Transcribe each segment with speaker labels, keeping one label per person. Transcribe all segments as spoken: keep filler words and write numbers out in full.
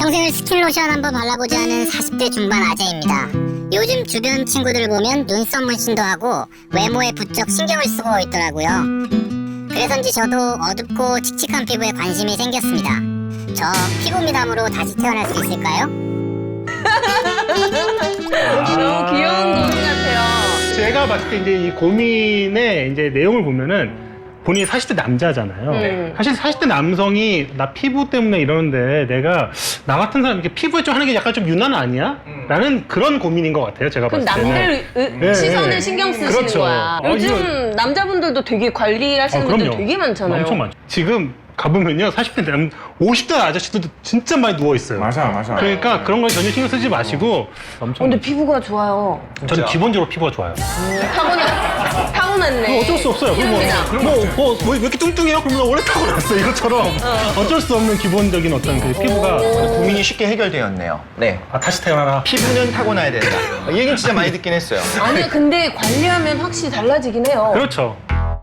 Speaker 1: 평생을 스킨로션 한번 발라보지 않은 사십 대 중반 아재입니다. 요즘 주변 친구들을 보면 눈썹 문신도 하고 외모에 부쩍 신경을 쓰고 있더라고요. 그래서인지 저도 어둡고 칙칙한 피부에 관심이 생겼습니다. 저 피부 미남으로 다시 태어날 수 있을까요?
Speaker 2: 너무 귀여운 고민 같아요.
Speaker 3: 제가 봤을 때 이제 이 고민의 이제 내용을 보면은 본인이 사십 대 남자잖아요.
Speaker 2: 음.
Speaker 3: 사실 사십 대 남성이 나 피부 때문에 이러는데 내가 나 같은 사람 이렇게 피부에 좀 하는 게 약간 좀 유난 아니야?
Speaker 4: 음.
Speaker 3: 라는 그런 고민인 것 같아요. 제가
Speaker 2: 그럼
Speaker 3: 봤을 때는.
Speaker 2: 남들 의-
Speaker 3: 네,
Speaker 2: 시선을
Speaker 3: 네.
Speaker 2: 신경 쓰시는
Speaker 3: 그렇죠.
Speaker 2: 거야.
Speaker 3: 어,
Speaker 2: 요즘
Speaker 3: 이거-
Speaker 2: 남자분들도 되게 관리하시는
Speaker 3: 아,
Speaker 2: 분들
Speaker 3: 그럼요.
Speaker 2: 되게 많잖아요.
Speaker 3: 엄청 많죠. 지금 가보면요, 사십 대 남, 오십 대 아저씨들도 진짜 많이 누워 있어요.
Speaker 4: 맞아, 맞아.
Speaker 3: 그러니까 그런 건 전혀 신경 쓰지 마시고
Speaker 2: 어,
Speaker 3: 엄청.
Speaker 2: 근데 피부가 좋아요.
Speaker 3: 저는 기본적으로 피부가 좋아요.
Speaker 2: 타고나, 타고났네.
Speaker 3: 어쩔 수 없어요. 그럼 뭐,
Speaker 2: 피부미남.
Speaker 3: 그럼 뭐, 뭐, 뭐, 왜 이렇게 뚱뚱해요? 그러면 원래 타고났어. 이것처럼. 어쩔 수 없는 기본적인 어떤 그 피부가.
Speaker 4: 고민이 쉽게 해결되었네요. 네.
Speaker 3: 아, 다시 태어나라.
Speaker 4: 피부는 타고나야 된다. 이 얘기는 진짜 많이 듣긴 했어요.
Speaker 2: 아니요, 근데 관리하면 확실히 달라지긴 해요.
Speaker 3: 그렇죠.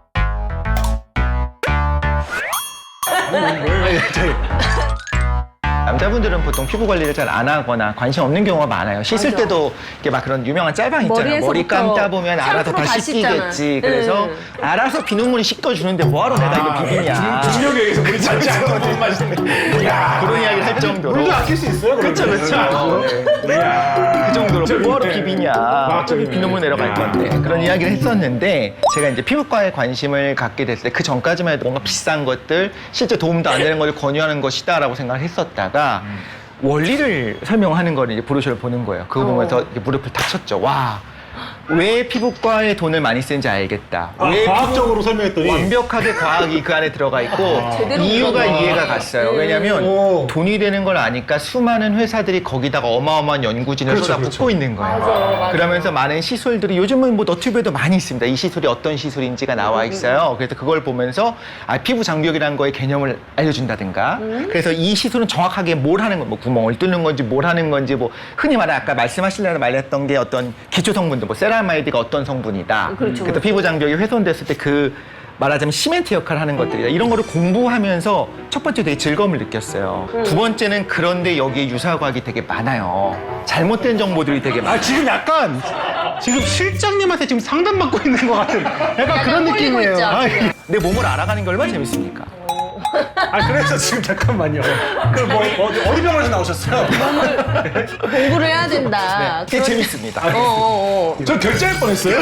Speaker 4: 남자분들은 보통 피부 관리를 잘 안 하거나 관심 없는 경우가 많아요. 씻을
Speaker 2: 맞아.
Speaker 4: 때도 이렇게 막 그런 유명한 짤방 있잖아요. 머리
Speaker 2: 머리에서부터
Speaker 4: 감다 보면 알아서 다
Speaker 2: 샴푸로 다
Speaker 4: 씻기겠지.
Speaker 2: 씻잖아.
Speaker 4: 그래서
Speaker 2: 네.
Speaker 4: 알아서 비눗물이 씻겨주는데 뭐하러 내가 이거 비비냐.
Speaker 5: 중력에 의해서 물이 닿지 않고 못 마시는.
Speaker 4: 그런 이야기를 할 정도로.
Speaker 3: 물도 아낄 수 있어요?
Speaker 4: 그렇죠, 그렇죠. 그 정도로 뭐하러 비비냐. 저기 비눗물 내려갈 건데. 그런 이야기를 했었는데 제가 이제 피부과에 관심을 갖게 됐을 때 그 전까지만 해도 뭔가 비싼 것들, 실제 도움도 안 되는 걸 권유하는 것이다라고 생각을 했었다가 원리를 설명하는 거를 이제 브로셔를 보는 거예요. 그거 보면서 이렇게 무릎을 탁 쳤죠. 와, 왜 피부과에 돈을 많이 쓰는지 알겠다.
Speaker 3: 아,
Speaker 4: 왜
Speaker 3: 과학적으로 설명했더니.
Speaker 4: 완벽하게 과학이 그 안에 들어가 있고
Speaker 2: 제대로
Speaker 4: 이유가
Speaker 2: 들어가.
Speaker 4: 이해가 갔어요. 왜냐하면
Speaker 3: 오.
Speaker 4: 돈이 되는 걸 아니까 수많은 회사들이 거기다가 어마어마한 연구진을
Speaker 3: 그렇죠,
Speaker 4: 쏟아붓고
Speaker 3: 그렇죠.
Speaker 4: 있는 거예요.
Speaker 2: 맞아, 맞아.
Speaker 4: 그러면서 많은 시술들이 요즘은 뭐 너튜브에도 많이 있습니다. 이 시술이 어떤 시술인지가 나와 있어요. 그래서 그걸 보면서 아, 피부 장벽이라는 거의 개념을 알려준다든가. 그래서 이 시술은 정확하게 뭘 하는 건, 뭐 구멍을 뚫는 건지 뭘 하는 건지, 뭐 흔히 말해 아까 말씀하시려고 말했던 게 어떤 기초 성분들, 뭐 세라마이드가 어떤 성분이다.
Speaker 2: 그렇죠,
Speaker 4: 그래서 피부 장벽이 훼손됐을 때 그 말하자면 시멘트 역할을 하는 것들이다. 이런 거를 공부하면서 첫 번째 되게 즐거움을 느꼈어요. 두 번째는 그런데 여기에 유사과학이 되게 많아요. 잘못된 정보들이 되게 많아요.
Speaker 3: 아, 지금 약간, 지금 실장님한테 지금 상담받고 있는 것 같은 약간 그런
Speaker 2: 꼴리고
Speaker 3: 느낌이에요.
Speaker 2: 있죠,
Speaker 3: 아,
Speaker 2: 지금.
Speaker 4: 내 몸을 알아가는 게 얼마나 재밌습니까?
Speaker 3: 아, 그래서 지금 잠깐만요. 그럼 뭐, 어디, 어디 병원에서 나오셨어요?
Speaker 2: 공부를 해야 된다.
Speaker 4: 되게 재밌습니다.
Speaker 2: 어, 어, 어.
Speaker 5: 저 결제할 뻔했어요.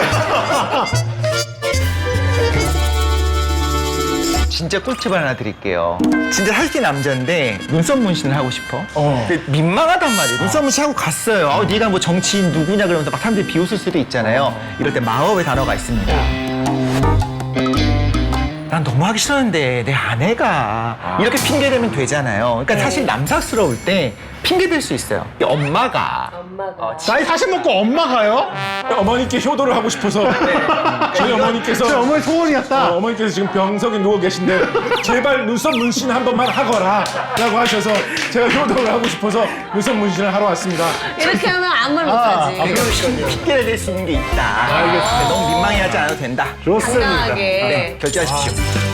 Speaker 4: 진짜 꿀팁을 하나 드릴게요. 진짜 살찐 남자인데 눈썹 문신을 하고 싶어. 근데 민망하단 말이에요. 눈썹 문신 하고 갔어요. 아, 네가 뭐 정치인 누구냐 그러면서 막 사람들이 비웃을 수도 있잖아요. 이럴 때 마법의 단어가 있습니다. 난 너무 하기 싫었는데 내 아내가 이렇게 핑계대면 되잖아요. 그러니까 사실 남사스러울 때 핑계댈 수 있어요. 엄마가
Speaker 2: 엄마가.
Speaker 3: 나이 사십 먹고 엄마가요?
Speaker 5: 어머니께 효도를 하고 싶어서 저희 어머니께서
Speaker 3: 제 어머니 소원이었다.
Speaker 5: 어, 어머니께서 지금 병석에 누워 계신데 제발 눈썹 문신 한 번만 하거라 라고 하셔서 제가 효도를 하고 싶어서 눈썹 문신을 하러 왔습니다.
Speaker 2: 이렇게 하면 아무 말 못하지.
Speaker 4: 핑계를 댈 수 있는 게 있다. 알겠습니다. 너무 민망해하지 않아도 된다.
Speaker 3: 좋습니다.
Speaker 2: 당당하게.
Speaker 4: 네, 결제하십시오.